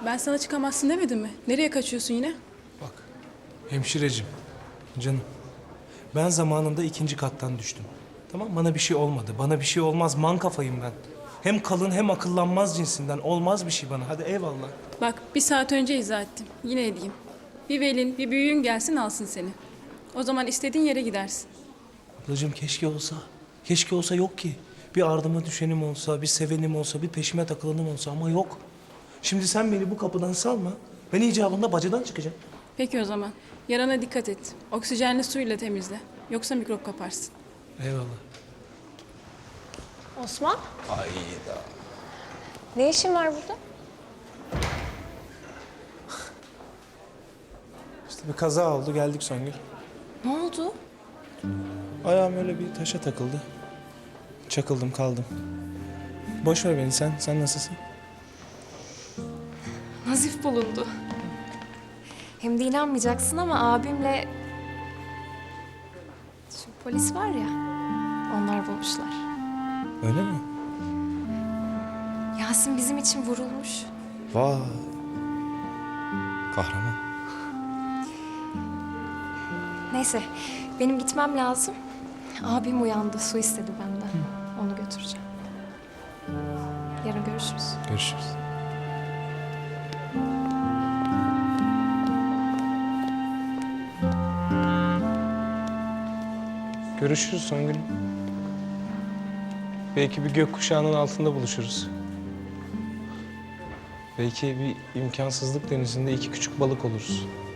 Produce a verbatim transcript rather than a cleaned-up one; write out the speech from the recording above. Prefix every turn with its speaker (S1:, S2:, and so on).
S1: Ben sana çıkamazsın demedim mi? Nereye kaçıyorsun yine?
S2: Bak, hemşirecim, canım. Ben zamanında ikinci kattan düştüm. Tamam, bana bir şey olmadı. Bana bir şey olmaz, man kafayım ben. Hem kalın hem akıllanmaz cinsinden. Olmaz bir şey bana. Hadi eyvallah.
S1: Bak bir saat önce izah ettim. Yine edeyim. Bir velin, bir büyüğün gelsin alsın seni. O zaman istediğin yere gidersin.
S2: Ablacığım keşke olsa. Keşke olsa, yok ki. Bir ardıma düşenim olsa, bir sevenim olsa, bir peşime takılanım olsa ama yok. Şimdi sen beni bu kapıdan salma. Ben icabında bacadan çıkacağım.
S1: Peki o zaman. Yarana dikkat et. Oksijenli suyla temizle. Yoksa mikrop kaparsın.
S2: Eyvallah.
S3: Osman,
S2: Hayda.
S3: ne işin var burada?
S2: İşte bir kaza oldu, geldik Songül.
S3: Ne oldu?
S2: Ayağım öyle bir taşa takıldı. Çakıldım, kaldım. Boş ver beni sen. Sen nasılsın?
S3: Nazif bulundu. Hem de inanmayacaksın ama abimle... Şu polis var ya, onlar bulmuşlar.
S2: Öyle mi?
S3: Yasin bizim için vurulmuş.
S2: Vay. Kahraman.
S3: Neyse, benim gitmem lazım. Abim uyandı, su istedi benden. Onu götüreceğim. Yarın görüşürüz.
S2: Görüşürüz. Görüşürüz Songül. Belki bir gökkuşağının altında buluşuruz. Belki bir imkansızlık denizinde iki küçük balık oluruz.